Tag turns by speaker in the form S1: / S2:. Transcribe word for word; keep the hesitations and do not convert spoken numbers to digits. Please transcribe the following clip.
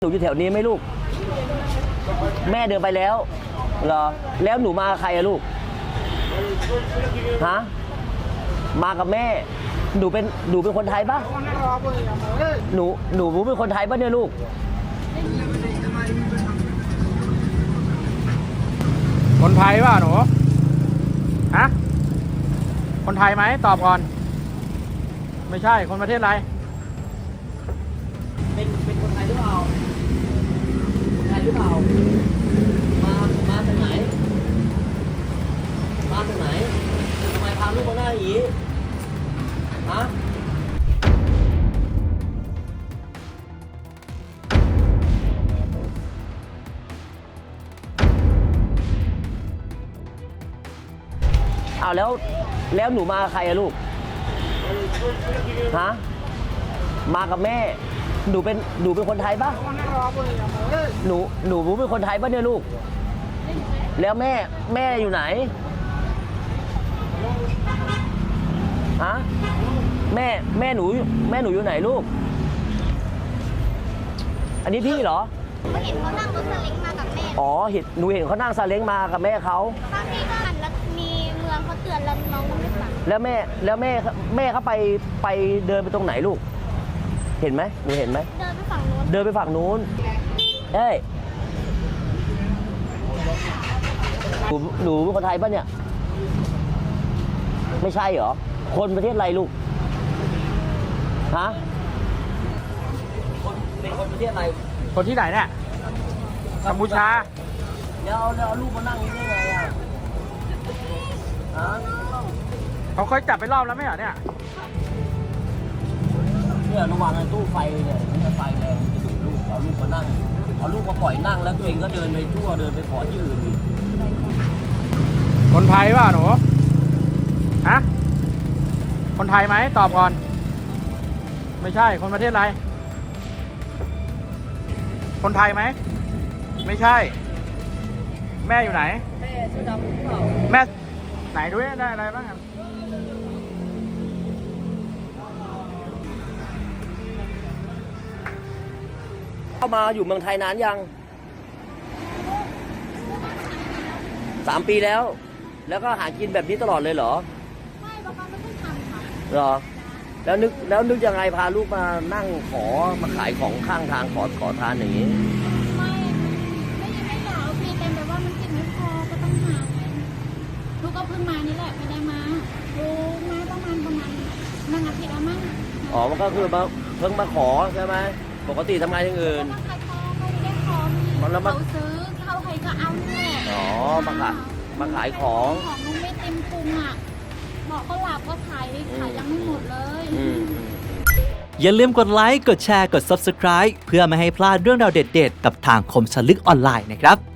S1: หนูอยู่แถวนี้ไหมลูกแม่เดินไปแล้วเหรอแล้วหนูมากับใครอะลูกฮะมากับแม่หนูเป็นหนูเป็นคนไทยปะหนูหนูเป็นคนไทยปะเนี่ยลูก
S2: คนไทยป่ะหนูฮะคนไทยไหมตอบก่อนไม่ใช่คนประเทศอะไร
S1: เป็นเป็นคนไทยหรือเปล่าคนไทยหรือเปล่ามามาจากไหนมาจากไหนทำไมพาลูกมาหน้าอย่างนี้ฮะอ้าวแล้วแล้วหนูมากับใครอะลูกฮะมากับแม่หนูเป็นหนูเป็นคนไทยปะหนูหนูเป็นคนไทยปะเนี่ยลูกแล้วแม่แม่อยู่ไหนฮะแม่แม่หนูแม่หนูอยู่ไหนลูกอันนี้พี่เหรอ
S3: ก็เห็นเขานั่งรถซาเล้งมากับแม่
S1: อ๋อเห็นหนูเห็นเขานั่งซาเล้งมากับแม่เขา
S3: บางทีก็หันแล้วมีเมืองเขาเตือนแล้วน้องก็ไม่ฟัง
S1: แล้วแม่แล้วแม่แม่เขาไปไปเดินไปตรงไหนลูกเห็นไหมหนูเห็นไหม
S3: เดินไปฝั่งนู้น
S1: เดินไปฝั่งนู้นเอ้ยหนูหนูเป็นคนไทยปะเนี่ยไม่ใช่เหรอคนประเทศอะไรลูกฮะคนเป็นคนประเทศอะไร
S2: คนที่ไหนเนี่ยกัมพูชา
S1: แล้วแล้วเอาลูกมานั่งนี่ได้ไงอ่ะฮะ
S2: เขาเคยจับไปรอบแล้วไม่เหรอเนี่ย
S1: เนี่ยระหว่างในตู้ไฟเนี่ยมันไฟแรงจะดูดลูกเอาลูกมานั่งเอาลูกมาปล่อยนั่งแล้วตัวเองก็เดินไปทั่วเดินไปขอที่อื่น
S2: คนไทยป่ะหนูฮะคนไทยไหมตอบก่อนไม่ใช่คนประเทศอะไรคนไทยไหมไม่ใช่แม่อยู่ไหน
S1: แม่ชื่อดำหรือเปล่า
S2: แม่ไหนด้วยได้อะไรบ้างครับ
S1: เข้ามาอยู่เมืองไทยนานยังสามปีแล้วแล้วก็หากินแบบนี้ตลอดเลยเหรอ
S3: ไม่บางครั้งไม่ต้องทำค่ะ
S1: เหรอแล้วนึกแล้วนึกยังไงพาลูกมานั่งขอมาขายของข้างทางขอขอทานอย่างนี้
S3: ไม่ไม่ไม่อยากเอาฟรีเต็มแต่ว่ามันกินไม่พอก็ต้องหาไงลูกก็เพิ่งมานี่แหละไม่ได้มาดูมาประมาณประมาณนั่งอาทิตย์ละมั้ง
S1: อ๋อมันก็คือมาเพิ่งมาขอใช่ไหมปกติทำงานอย่างอื่น
S3: ขายของไม่ได้ของเขาซื้อเขาใครก็เอาเนี่ย
S1: อ๋อมาขายมาขายของ
S3: ของนุ่มไม่เต็มพุงอ่ะบอกก็หลับก็ขายขายยังไม่หมดเลย
S4: อย่าลืมกดไลค์กดแชร์กด ซับสไครบ์ เพื่อไม่ให้พลาดเรื่องราวเด็ดๆกับทางคมสนลึกออนไลน์นะครับ